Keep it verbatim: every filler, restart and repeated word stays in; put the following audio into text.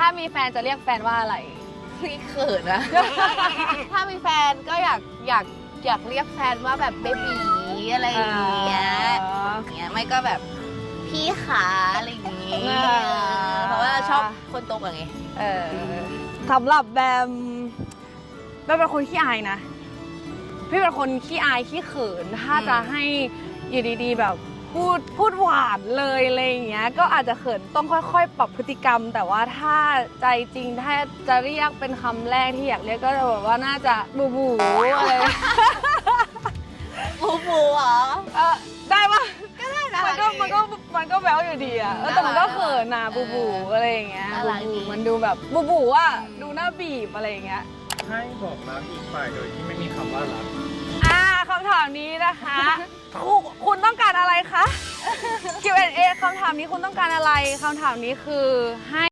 ามีแฟนจะเรียกแฟนว่าอะไรพี่เขินนะ ถ้ามีแฟนก็อยากอยากอยากเรียกแฟนว่าแบบเบบีอะไรอย่างเงี้ยอย่างเงี้ยไม่ก็แบบพี่ขาอะไรอย่างเงี้ยเพราะว่าชอบคนโตกว่าไงเออสำหรับแบมแบมเป็นคนขี้อายนะพี่เป็นคนขี้อายขี้เขินถ้าจะให้อยู่ดีๆแบบพูดพูดหวานเลยอะไรอย่างเงี้ยก็อาจจะเขินต้องค่อยๆปรับพฤติกรรมแต่ว่าถ้าใจจริงถ้าจะเรียกเป็นคำแรกที่อยากเรียกก็จะแบบว่าน่าจะบูบูอะไร บูบูเหรอเออได้ปะก็ได้นะมันก็มันก็มันก็แบ๊วอยู่ดีอะแต่มันก็เขินนะบูบูอะไรอย่างเงี้ยบูบูมันดูแบบบูบูอะดูน่าบีบอะไรอย่างเงี้ยให้บอกรักอีกฝ่ายโดยที่ไม่มีคำว่ารักอ่าคำถามนี้นะคะคุณคุณต้องการอะไรคะ คิว แอนด์ เอ คำถามนี้คุณต้องการอะไรคำถามนี้คือให้